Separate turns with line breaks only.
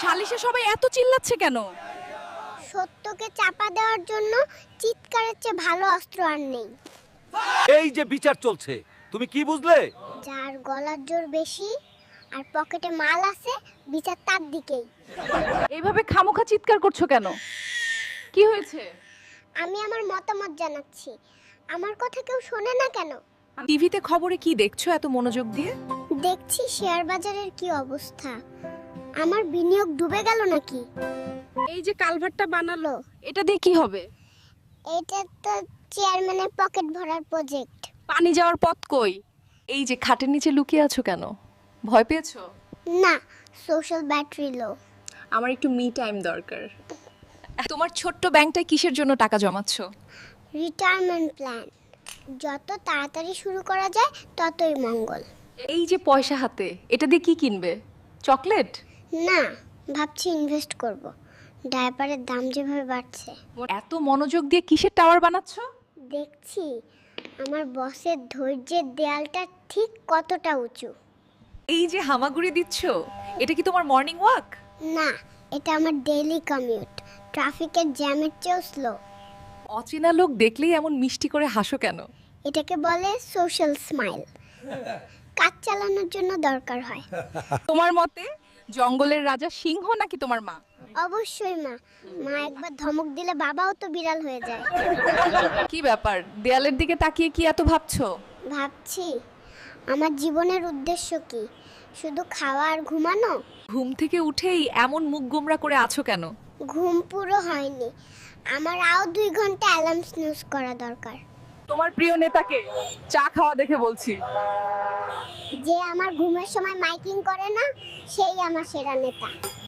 সালিশে সবাই এত চিল্লাচ্ছে কেন?
সত্যকে চাপা দেওয়ার জন্য চিৎকারের চেয়ে ভালো অস্ত্র আর নেই।
এই যে বিচার চলছে, তুমি কি বুঝলে?
যার গলার জোর বেশি আর পকেটে মাল আছে, বিচার তার দিকেই।
এইভাবে খামোখা চিৎকার করছো কেন? কি হয়েছে?
আমি আমার মতামত জানাচ্ছি। আমার কথা কেউ শোনে না কেন?
টিভিতে খবরে কি দেখছো এত মনোযোগ দিয়ে?
দেখছি শেয়ার বাজারের কি অবস্থা। আমার বিনিয়োগ ডুবে গেল নাকি?
এই যে কালভারটা বানালো, এটা দিয়ে কি হবে?
এটা তো চেয়ারম্যানের পকেট ভরার প্রজেক্ট।
পানি যাওয়ার পথ কই? এই যে খাটের নিচে লুকিয়ে আছো কেন? ভয় পেয়েছো?
না, সোশ্যাল ব্যাটারি লো।
আমার একটু মি টাইম দরকার। তোমার ছোট্ট ব্যাংকটায় কিসের জন্য টাকা জমাচ্ছ?
Retirement plan. যত তাড়াতাড়ি শুরু করা যায় ততই মঙ্গল।
এই যে পয়সা হাতে, এটা দিয়ে কি কিনবে? চকলেট?
না, ভাবছি ইনভেস্ট করব। ডায়াপারের দাম যেভাবে বাড়ছে।
এত মনোযোগ দিয়ে কিসের টাওয়ার বানাচ্ছ?
দেখছি আমার বসের ধৈর্যের দেয়ালটা ঠিক কতটা উঁচু।
এই যে হামাগুড়ি দিচ্ছ, এটা কি তোমার মর্নিং ওয়াক?
না, এটা আমার ডেইলি কমিউট। ট্রাফিকের জ্যামের চেয়েও স্লো।
অচেনা লোক দেখলেই এমন মিষ্টি করে হাসো কেন?
এটাকে বলে সোশ্যাল স্মাইল। কাজ চালানোর জন্য দরকার হয়।
তোমার মতে জঙ্গলের রাজা সিংহ নাকি তোমার মা?
অবশ্যই মা। মা একবার ধমক দিলে বাবাও তো বিড়াল হয়ে যায়।
কি ব্যাপার, দেয়ালের দিকে তাকিয়ে কি এত ভাবছো?
ভাবছি আমার জীবনের উদ্দেশ্য কি? শুধু খাওয়া আর ঘুমানো?
ঘুম থেকে উঠেই এমন মুখ গোমরা করে আছো কেন?
ঘুম পুরো হয়নি। আমার আরও 2 ঘন্টা অ্যালার্ম স্নুজ করা দরকার।
তোমার প্রিয় নেতাকে চা খাওয়া দেখে বলছি।
যে আমার ঘুমের সময় মাইকিং করে না, সেই আমার সেরা নেতা।